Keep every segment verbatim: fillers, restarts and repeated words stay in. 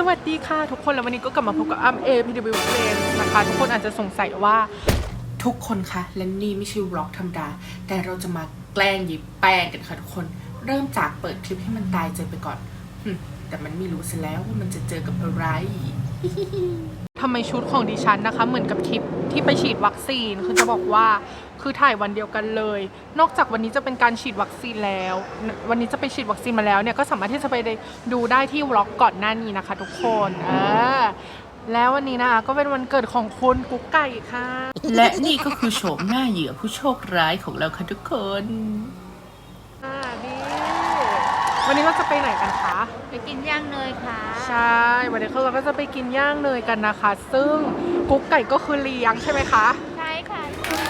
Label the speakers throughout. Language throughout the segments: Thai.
Speaker 1: วัสดีค่ะทุกคนแล้ววันนี้ก็กลับมาพบกับอ้ำเอพีดีวิวเฟรนด์นะคะทุกคนอาจจะสงสัยว่าทุกคนคะและนี่ไม่ใช่วล็อกธรรมดาแต่เราจะมาแกล้งยิบแป้งกันค่ะทุกคนเริ่มจากเปิดคลิปให้มันตายเจอไปก่อนแต่มันไม่รู้ซะแล้วว่ามันจะเจอกับอะไรทำไมชุดของดิฉันนะคะเหมือนกับทริปที่ไปฉีดวัคซีนคือจะบอกว่าคือถ่ายวันเดียวกันเลยนอกจากวันนี้จะเป็นการฉีดวัคซีนแล้ววันนี้จะไปฉีดวัคซีนมาแล้วเนี่ยก็สามารถที่จะไปดูได้ที่วล็อกก่อนหน้านี้นะคะทุกคนเออแล้ววันนี้นะคะก็เป็นวันเกิดของคุณกุ๊กไก่ค่ะและนี่ก็คือโฉมหน้าเหยื่อผู้โชคร้ายของเราค่ะทุกคนอ่าดีวันนี้เราจะไปไหนกันคะ
Speaker 2: ไปกินย่างเนยค่ะ
Speaker 1: ใช่วันนี้เราก็จะไปกินย่างเนยกันนะคะซึ่งกุ๊กไก่ก็คือเลี้ยงใช่ไหมคะ
Speaker 2: ใช่ค่ะ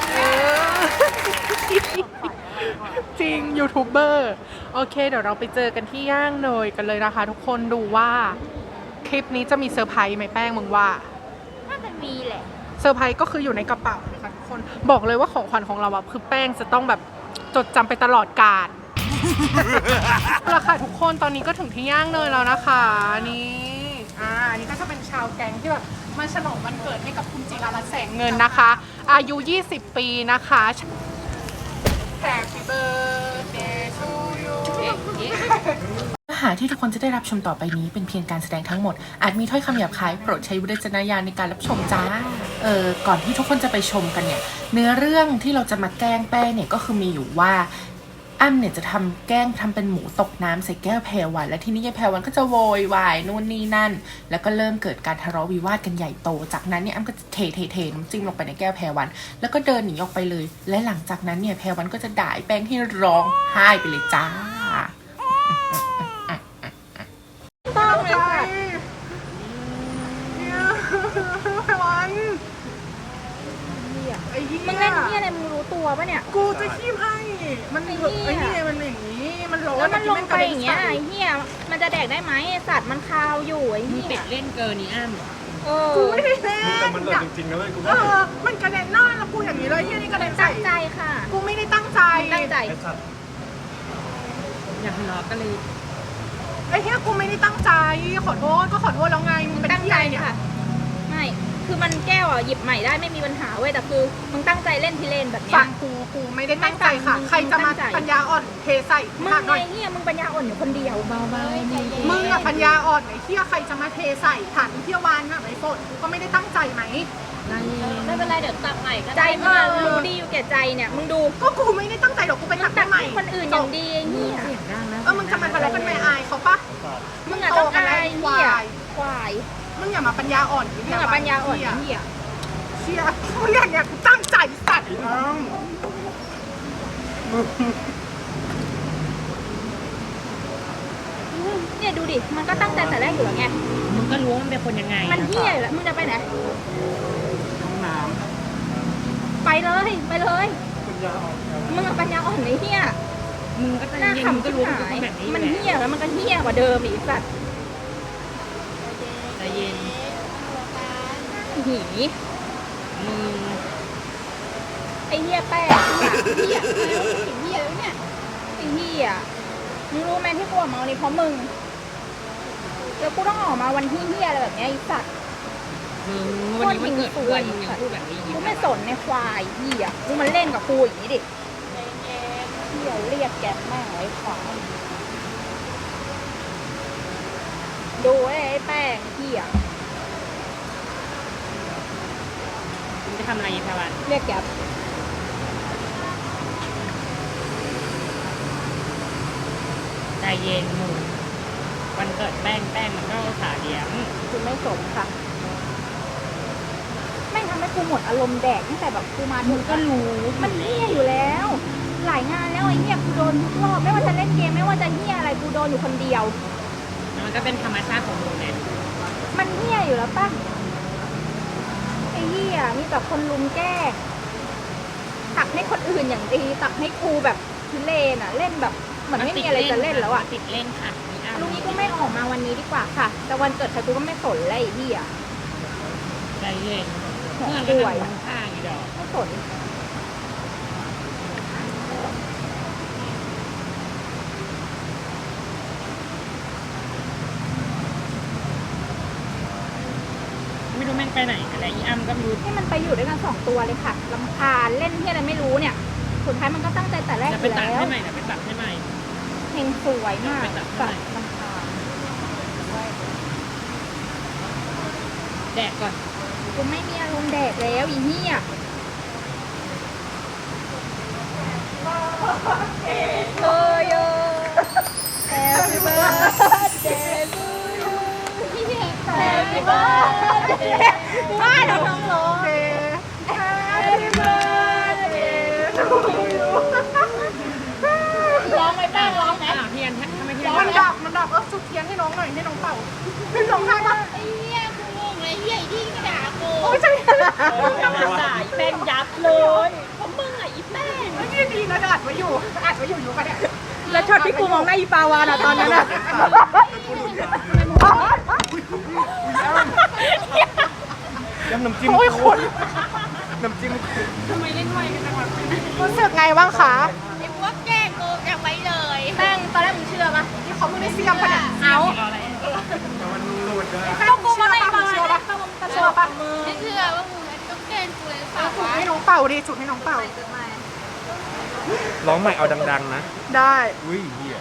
Speaker 1: จริงยูทูบเบอร์โอเคเดี๋ยวเราไปเจอกันที่ย่างเนยกันเลยนะคะทุกคนดูว่าคลิปนี้จะมีเซอร์ไพรส์ไหมแป้งมึงว่า
Speaker 2: น่าจะมีแหละ
Speaker 1: เซอร์ไพรส์ก็คืออยู่ในกระเป๋านะคะทุกคนบอกเลยว่าของขวัญของเราอะคือแป้งจะต้องแบบจดจำไปตลอดกาลราคาทุกคนตอนนี้ก็ถึงที่ย่างเนยแล้วนะคะนี่อ่าอันนี้ก็จะเป็นชาวแก๊งที่แบบมาฉลองวันเกิดให้กับคุณจิราลัตน์แสงเงินนะคะอายุยี่สิบปีนะคะ Happy birthday to you เนื้อหาที่ทุกคนจะได้รับชมต่อไปนี้เป็นเพียงการแสดงทั้งหมดอาจมีถ้อยคำหยาบคายโปรดใช้วิจารณญาณในการรับชมจ้าเออก่อนที่ทุกคนจะไปชมกันเนี่ยเนื้อเรื่องที่เราจะมาแกล้งแป้งเนี่ยก็คือมีอยู่ว่าอ้ำเนี่ยจะทำแกล้งทำเป็นหมูตกน้ำใส่แก้วแพรวันและทีนี้ยายแพรวันก็จะโวยวายนู่นนี่นั่นแล้วก็เริ่มเกิดการทะเลาะวิวาทกันใหญ่โตจากนั้นเนี่ยอ้ำก็จะเทเทเทน้ำจิ้มลงไปในแก้วแพรวันแล้วก็เดินหนีออกไปเลยและหลังจากนั้นเนี่ยแพรวันก็จะด่าแป้งที่ร้องไห้ไปเลยจ้า
Speaker 2: ต้องเลยค่ะ
Speaker 1: แพรวันไอ้เหี้ย
Speaker 2: มึงเล่นที่อะไรมึงรู้ตัวปะเนี่ย
Speaker 1: กูจะขี้ให้มันไอ้เหี้ยมันอย่างนี้มันร้อน
Speaker 2: แล้วมันลงไปอย่างเงี้ยไอ้เหี้ยมันจะแดกได้ไหมสัตว์มันคาวอยู่ไอ้เหี้ย
Speaker 3: เป็ดเล่นเกินนี่อ้ำ
Speaker 1: เออกูไม่ได้เล่น
Speaker 4: แต่มันหล่นจริงๆนะเว้ยกู
Speaker 1: เออมันกระเด็นหน้าแล้วกูอย่างนี้เลยเหี้ยนี่กระเด็นใส่
Speaker 2: ตั้งใจค่ะ
Speaker 1: กูไม่ได้ตั้งใจ
Speaker 2: ตั้งใจ
Speaker 3: อย่าทะเลาะกันเลย
Speaker 1: ไอ้เหี้ยกูไม่ได้ตั้งใจขอโทษก็ขอโทษแล้วไงมึงเป็นตั้งใจเนี่ย
Speaker 2: ไม่คือมันแก้วอ่ะหยิบใหม่ได้ไม่มีปัญหาเว้ยแต่คือมึงตั้งใจเล่นที่เล่นแบบเนี้ย
Speaker 1: ฟังกูกูไม่ได้ตั้งใจค่ะใครจะมาปัญญาอ่อนเทใส่
Speaker 2: มึงไงเหี้ยมึงปัญญาอ่อนอยู่คนเดียวเบาๆ
Speaker 1: มึงอะปัญญาอ่อนไอ้เหี้ยใครจะมาเทใส่ฐานเที่ยววานอะไอ้ฝนกูก็ไม่ได้ตั้งใจไหม
Speaker 2: ไม่เป็นไรเดี๋ยวตักใหม่ก็ใจมึงรู้ดีอยู่แก่ใจเนี่ยมึงดู
Speaker 1: ก็กูไม่ได้ตั้งใจหรอกกูไปตักใหม่
Speaker 2: คนอื่นอย่างดีเหี้ย
Speaker 1: เออมึงจะมาทะเลาะกันไม่อายเขาปะ
Speaker 2: มึงอะต้องอายเหี้ยควาย
Speaker 1: มึงอย่ามาปัญญาอ่อน
Speaker 2: มึงอย่าปัญญาอ่อนเหี้ย
Speaker 1: เชี่ยมึงอย่างเงี้ยกูตั้งใจสัตว์
Speaker 2: เนี่ยดูดิมันก็ตั้งใจแต่แรกอยู่แล้วไง
Speaker 3: มึงก็รู้ว่ามันเป็นคนยังไง
Speaker 2: มันเหี้ยอยู่แล้วมึงจะไปไหน
Speaker 3: ห้องน้
Speaker 2: ำไปเลยไปเลยมึงอะปัญญาอ่อนไอ้เหี้ย
Speaker 3: มึงก็จะเย็นมึงก็รู้ว่าเป็นแบบนี้
Speaker 2: มันเหี้ยแล้วมันก็เหี้ยกว่าเดิมอีกสัตว์
Speaker 3: ใจเย็น
Speaker 2: หี
Speaker 3: มึง
Speaker 2: ไอ้เหี้ยแป้งเหี้ยไอ้เหี้ยแล้วเนี่ยไอ้เหี้ยมึงรู้ไหมที่กูออกมาวันนี้เพราะมึงแล้วกูต้องออกมาวันที่เหี้ยอะไรแบบนี้ไอ้สัตว์
Speaker 3: มึงวันนี้มันเกิดเพื่อนมึงยังพูดแบบนี้
Speaker 2: กูไม่สนในควายเหี้ยกูมันเล่นกับกูอย่างนี้ดิเหี้ยเรียกแกแม่งไอ้ควายดูไอ้แป้งเหี้ย
Speaker 3: จะทำอะไรยังไงวัน
Speaker 2: เรียกแก๊ป
Speaker 3: ใจเย็นมึงวันเกิดแป้งแป้งมันก็ขาเลี้ยง
Speaker 2: คุณไม่สนค่ะแม่งทำให้กูหมดอารมณ์แดกตั้งแต่แบบกูมามึงก็รู้มันเหี้ยอยู่แล้วหลายงานแล้วไอ้เหี้ยกูโดนทุกรอบไม่ว่าจะเล่นเกมไม่ว่าจะเหี้ยอะไรกูโดนอยู่คนเดียว
Speaker 3: มันก็เป็นธรรมชาติของมึงไง
Speaker 2: มันเหี้ยอยู่แล้วป่ะไอ้เหี้ยมีแต่คนลุมแก้ตักให้คนอื่นอย่างดีตักให้ครูแบบทุเรศอ่ะเล่นแบบเหมือนไม่มีอะไรจะเล่นแล้วอ่ะ
Speaker 3: ติดเล่นค่ะ
Speaker 2: ลุงนี้ก็ไม่ออกมาวันนี้ดีกว่าค่ะแต่วันเกิดใครกูก็ไม่สนเลยไอ้เหี้ย
Speaker 3: ใจเย็นเพื่อนก็ทำข้างอีดอก
Speaker 2: ไม่สน
Speaker 3: ไปไหนอะไรอีอ้ำก็ไม่รู้
Speaker 2: ให้มันไปอยู่ด้วยกันสองตัวเลยค่ะลำคาญเล่นที่อะไรไม่รู้เนี่ย สุดท้ายมันก็ตั้งใจแต่แรกอ
Speaker 3: จะไป
Speaker 2: ยู่
Speaker 3: ตัด
Speaker 2: แล้ว
Speaker 3: ให้ใหม่นะไปตัดให้ใหม่
Speaker 2: เพลงสวยมาก
Speaker 3: ไปตัดให้
Speaker 2: ตั
Speaker 3: ใหม่
Speaker 2: ดลำคาญ
Speaker 3: แดกก่อน
Speaker 2: กูไม่มีอารมณ์แดกแล้วอีนี่อ่ะเออเยอะ Happy birthday to you Happy birthday ไม่เราต้องร้อง Happy birthday to you ร้องไหมแป้งร้องไหม
Speaker 3: อ้าวเทียนทำไมเทียน
Speaker 1: มันดับมันดับเออจุดเทียนให้น้องหน่อยให้น้องเป่าให้น้องทำปะ
Speaker 2: ไอ้เหี้ยกูงงเลยเหี้ยไอ้ที่กระดาษกู
Speaker 1: โอ้ยใช่
Speaker 2: กำลังด่าอีแป้งยับเลยเพราะมึงอ่ะอีแป้ง
Speaker 1: ไม่ดีนะอัดไว้อยู่อัดไว้อยู่อยู่กันเนี่ย
Speaker 2: แล้วช็อตที่กูมองหน้าอีปาวานอ่ะตอนนั้นอ่ะ
Speaker 4: ยำน้ำจิ้ม
Speaker 1: โอ้ยคน
Speaker 4: น้ำจิ้ม
Speaker 3: ทำไมเล่นไวกันจังวะ
Speaker 1: รู้สึกไงบ้างคะ
Speaker 2: ไอ้พวกแกล้งกูจะไว้เลยแป้งตอนแรกมึงเชื่อปะ
Speaker 1: ที่เขาไม่ได้เสียมปะเนี่ย
Speaker 2: เอา
Speaker 3: รออะไร
Speaker 4: มันหลุดนะ
Speaker 2: ก็กูมาในปา
Speaker 1: เชื่อ
Speaker 2: วา
Speaker 1: ปะ
Speaker 2: น
Speaker 1: เชื่อปะ
Speaker 2: ไม่เชื่อว่ามึงต้องแกล้งกูเลยเปล่า
Speaker 1: จุดให้น้องเป่าดิจุดให้น้องเป่า
Speaker 4: ร้องใหม่เอาดังๆนะ
Speaker 1: ได้
Speaker 4: อุ้ยเหี้ย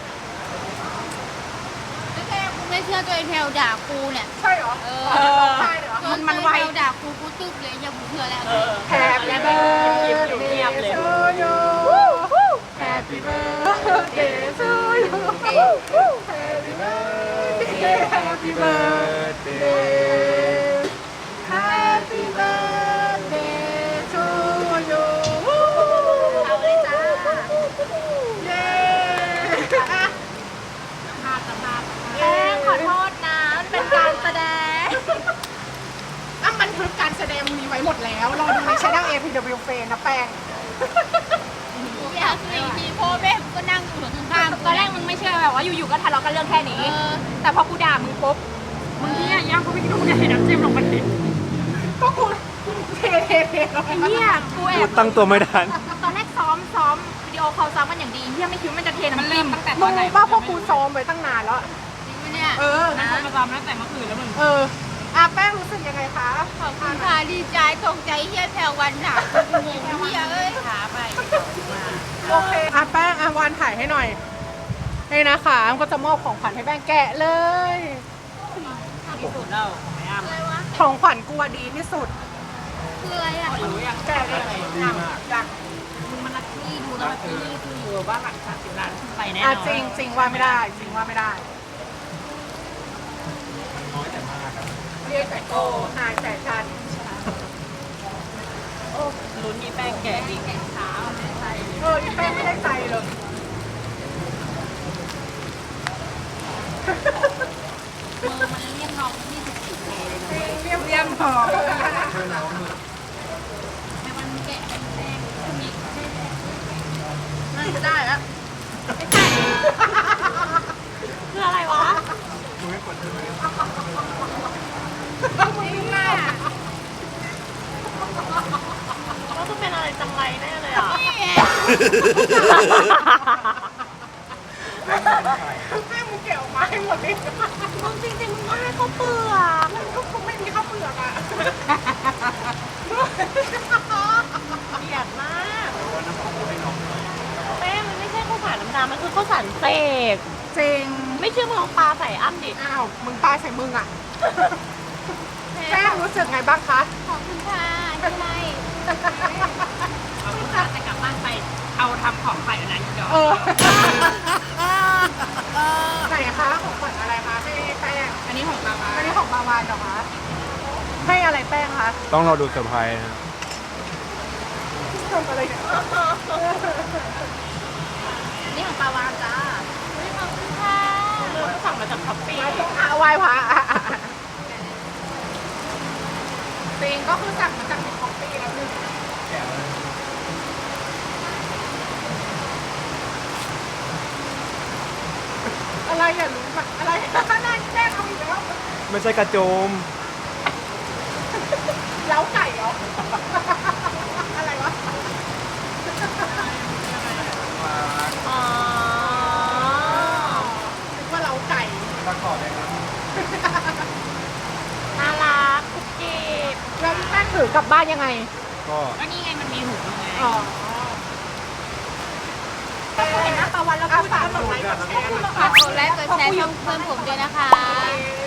Speaker 2: ไม่แค่กูไม่เชื่อตัวไอ้แพลวด่ากูเนี่ย
Speaker 1: ใช่เหรอ
Speaker 2: เอ
Speaker 1: เอ
Speaker 2: อ
Speaker 1: อใช่เหรอ
Speaker 2: มันมันไวด่ากูกูตึ๊บเลยอย่ากูเชื่อแล้ว
Speaker 1: แฮปปี้เบิร์ดเดย์ทูยูแฮปปี้เบิร์ดเดย์ทูยูแฮปปี้เบิร์ดเดย์แฮปปี้เบิร์ดเดย์แฮปปี้เบิร์ดเดย์ทูยู
Speaker 2: เอาเลยจ้า
Speaker 1: เย้อ่ะมาสมา
Speaker 2: แป้งขอโทษนะมันเป็นการแสดง
Speaker 1: อ่ะมันคือการแสดงมีไว้หมดแล้ว รอดูในช่อง เอ พี ดับเบิลยู เฟนนะแป้ง
Speaker 2: อยากสี่ทีโพแม่ก็นั่งอยู่ข้างๆตอนแรกมึงไม่เชื่อแบบว่าอยู่ๆก็ทะเลาะกันเรื่องแค่นี้ แต่พอกูด่ามึงปุ๊บ
Speaker 3: มึงเนี่ยย่างกูไม่ดูเนี่ยเห็นน้ำจิ้มลงไปดิ
Speaker 1: ก็กูเทเทเท
Speaker 2: ไอ้เหี้ยกูแอ
Speaker 4: พู
Speaker 2: บ
Speaker 4: ดตั้งตัวไม่ทัน
Speaker 2: ตอนแรกซ้อมซ้อมวิดีโอคอลซ้อมกันอย่างดีเหี้ยไม่คิดว่ามันจะเทน้ำจิ้มตั้งแต่
Speaker 1: มึงรู้ป่ะพวกกูซ้อมไว้ตั้งนานแล้ว
Speaker 2: จริงไหมเนี่ย
Speaker 1: เออ
Speaker 3: นะมาตามตั้งแต่เมื่อคืนแล้วมึง
Speaker 1: เอออ่ะแป้งรู้สึกยังไงคะ
Speaker 2: ขอบคุณค่ะดีใจตกใจเหี้ยแพรวันหนักงงเหี้ยเอ้ยขาไป
Speaker 1: โอเคอ่ะแป้งอ่ะวานถ่ายให้หน่อยนี่นะคะก็จะมอบของขวัญให้แป้งแกะเลย
Speaker 3: ที่สุดแล้วไม่อ้ำ
Speaker 2: อะไรวะ
Speaker 1: ของขวัญกูอะดีที่สุด
Speaker 2: คืออะไรอ่ะ
Speaker 3: รู้ยัง
Speaker 1: แกะเลยอยากอยาก
Speaker 3: มึงมันรักที่ดูแล้วที่นี่คืออยู่บ้านหลังสามสิบล้านขึ้นไปแน่น
Speaker 1: อ่ะ
Speaker 3: อน
Speaker 1: จริงจริงว่าไม่ได้ จริงว่าไม่ได้
Speaker 4: น้อยแต่มากอะ
Speaker 1: เรียกแต่โก้หายแต่ชัน
Speaker 3: ลุ้นมีแป้งแกะอีกเช้าไม่ใช่
Speaker 1: เอออีแป้งไม่ได้ใจเลย
Speaker 2: มือมันเรียกน้องยี่สิบสี่เคเลยนะ
Speaker 1: เรียบเรียบพอ
Speaker 2: ในวันแกะเป็นแดงคุณอีก
Speaker 1: น่าจะได้แล้ว
Speaker 2: คืออะไรวะ
Speaker 4: มึงไม่กดเลย
Speaker 2: มึงน่ะ
Speaker 3: ก็ต้องเป็นอะไรจังไรแน่เลยอ่ะ
Speaker 2: นี่ไง
Speaker 1: แม่มึงเกี่ยวมาให้หมดเลย
Speaker 2: มึงจริงๆมึงก็ให้เขาเปลือก
Speaker 1: มันก็คงไม่มีข้าวเปลือกอ่ะ
Speaker 3: เกลียดมากแป้งมันไม่ใช่ข้าวสารน้ำตาลมันคือข้าวสารเสก
Speaker 1: จริง
Speaker 3: ไม่เชื่อมึงลองปลาใส่อ้ำดิ
Speaker 1: อ้าว มึงตายใส่มึงอ่ะแป้งรู้สึกไงบ้างคะ
Speaker 2: ขอบคุณค่ะที่ให้
Speaker 3: เอาข้าวสารแต่กลับบ้านไปเอาทำของใส่อันนั้นอีกดอก
Speaker 1: เออไหนคะของขวัญอะไรคะให้แป้ง
Speaker 3: อันนี้ของปลาวา
Speaker 1: อันนี้ของบาวานเหรอคะให้อะไรแป้งคะ
Speaker 4: ต้องรอดูเซอร์ไพรส์นะ
Speaker 1: ทำอะไรเนี่ย
Speaker 2: นี่ของปาวานจ้าขอบคุณค่ะ
Speaker 3: เริ่มสั่งมาจากช้อปปี้
Speaker 1: อาไหว้พระอ่ะอ่ะอ่ะจริงก็คือสั่งมาจากในคอฟฟี่แล้วนึงอะไรอย่ารู้แบบอะไรนั่นแป้งเอาอีกแล้ว
Speaker 4: ไม่ใช่กระโจม
Speaker 1: เล้าไก่เหรอ อะไรวะ
Speaker 3: อ๋อ
Speaker 1: นึกว่าเล้าไก่
Speaker 4: ตะขอเลยครับ
Speaker 3: น่ารักคุกกี้
Speaker 1: รือกลับบ้านยังไง
Speaker 4: ก็
Speaker 3: ก็นี่ไงมันมีหูไง
Speaker 1: อ๋อ
Speaker 2: เห็นหน้าตะวันแล้วก็ฝากกดไลค์กดแชร์
Speaker 3: ฝากกดไลค์กดแชร์ช่องเพื่อนผมด้วยนะคะ